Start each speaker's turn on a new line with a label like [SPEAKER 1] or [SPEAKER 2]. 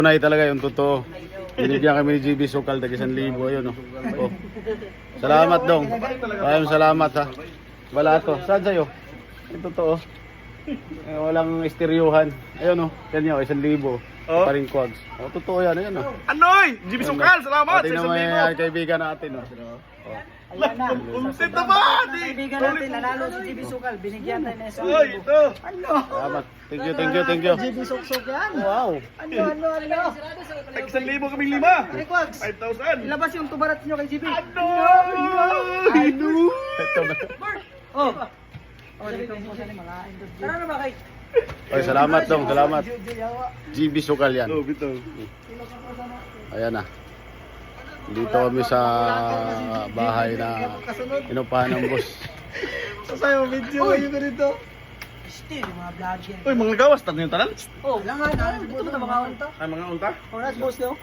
[SPEAKER 1] Tunay talaga yung totoo. Binigyan kami ni GB Sukal, tag 1,000. Ayun, oh. Oh. Salamat dong. Maraming salamat ha. Wala to. Saan sa'yo? Yung totoo. Walang isteryuhan. Ayun, oh. Yan yun, 1,000.
[SPEAKER 2] Oh.
[SPEAKER 1] Pa rin quads. Oh, totoo yan. Ayun, oh.
[SPEAKER 2] Anoy! GB Sukal, salamat!
[SPEAKER 1] Tingnan mo yung kaibigan natin, oh.
[SPEAKER 3] Ayan na.
[SPEAKER 2] Umsit na ba?
[SPEAKER 3] Kaibigan natin, nanalo si GB Sukal. Binigyan tayo ng
[SPEAKER 2] Oy, ito!
[SPEAKER 3] Ano?
[SPEAKER 1] Salamat. Thank you.
[SPEAKER 3] GB Suksok yan.
[SPEAKER 1] Wow.
[SPEAKER 3] Ano?
[SPEAKER 2] Tag 1,000 kaming 5!
[SPEAKER 3] Hey, Quags.
[SPEAKER 2] 5,000!
[SPEAKER 3] Ilabas yung tubarat nyo kay GB.
[SPEAKER 2] Anoy!
[SPEAKER 1] Ito na.
[SPEAKER 3] Oh. Oh, dito po sa mga industry. Tara na ba kay?
[SPEAKER 1] Oy, salamat dong. Salamat. GB Sukal yan.
[SPEAKER 2] Oh, bito.
[SPEAKER 1] Ayan na. Dito kami sa bahay na inupahan ng boss.
[SPEAKER 3] Sasayo video kayo ganito. Still, mga vlogger.
[SPEAKER 2] Uy, mga gawas, tanong yung tanan?
[SPEAKER 3] Oh, langan. Ito na mga unta.
[SPEAKER 2] Ay, mga unta?
[SPEAKER 3] Oh, that's boss daw.